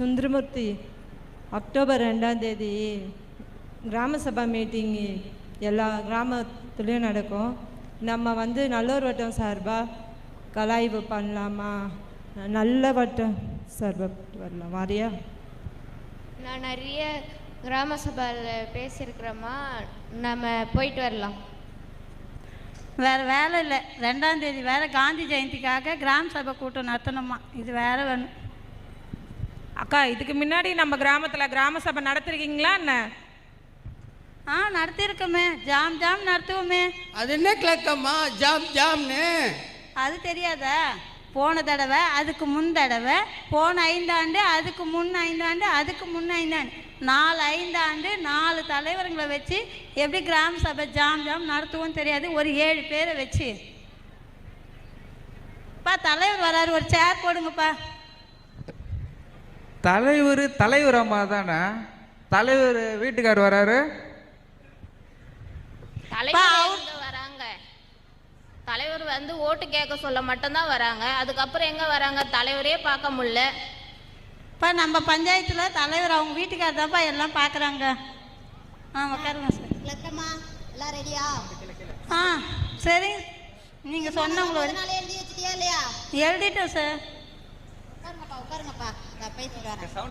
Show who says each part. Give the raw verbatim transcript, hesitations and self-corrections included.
Speaker 1: Sundaramurthy. October ரெண்டாம் தேதி கிராம சபா மீட்டிங்கு எல்லா கிராமத்துலேயும் நடக்கும். நம்ம வந்து நல்லூர் வட்டம் சார்பாக கலாய்வு பண்ணலாமா? நல்ல வட்டம் சார்பாக வரலாம் வாரியா?
Speaker 2: நான் நிறைய கிராம சபையில் பேசியிருக்கிறோமா, நம்ம போயிட்டு வரலாம்.
Speaker 3: வேறு வேலை இல்லை. ரெண்டாம் தேதி வேறு காந்தி ஜெயந்திக்காக கிராம சபை கூட்டம் நடத்தணுமா? இது வேறு வேணும்.
Speaker 4: அக்கா, இதுக்கு முன்னாடி நம்ம கிராமத்தில் கிராம சபை நடத்திருக்கீங்களா என்ன?
Speaker 3: ஆ, நடத்தியிருக்கோமே. ஜாம் ஜாம் நடத்துவோமே.
Speaker 5: அது என்ன கிழக்கம்மா ஜாம் ஜாம்னு?
Speaker 3: அது தெரியாதா? போன தடவை, அதுக்கு முன் தடவை, போன ஐந்தாண்டு, அதுக்கு முன் ஐந்தாண்டு, அதுக்கு முன் ஐந்தாண்டு, நாலு ஐந்தாண்டு நாலு தலைவர்களை வச்சு எப்படி கிராம சபை ஜாம் ஜாம் நடத்துவோம் தெரியாது. ஒரு ஏழு பேரை வச்சு பா தலைவர் வராரு, ஒரு சேர் போடுங்கப்பா.
Speaker 6: தலைவர் தலைவர் அம்மா தானே? தலைவர் வீட்டுக்கார் வராரு.
Speaker 2: தலைவர் வராங்க. தலைவர் வந்து ஓட்டு கேட்க சொல்ல மட்டும்தான் வராங்க. அதுக்கப்புறம் எங்க வராங்க? தலைவரே பார்க்க முடியல.
Speaker 3: இப்போ நம்ம பஞ்சாயத்தில் தலைவர் அவங்க வீட்டுக்காரர் தான்ப்பா எல்லாம் பார்க்குறாங்க. ஆ, உட்காருங்க சார்.
Speaker 7: லக்கம்மா எல்லாம் ரெடியா?
Speaker 3: ஆ, சரி. நீங்கள் சொன்னவங்களோட
Speaker 7: எழுதி வச்சிட்டியா இல்லையா?
Speaker 3: எழுதிட்டோம் சார்.
Speaker 7: உட்காருங்கப்பா உட்காருங்கப்பா, நான் பேசிட்டு வரேன்.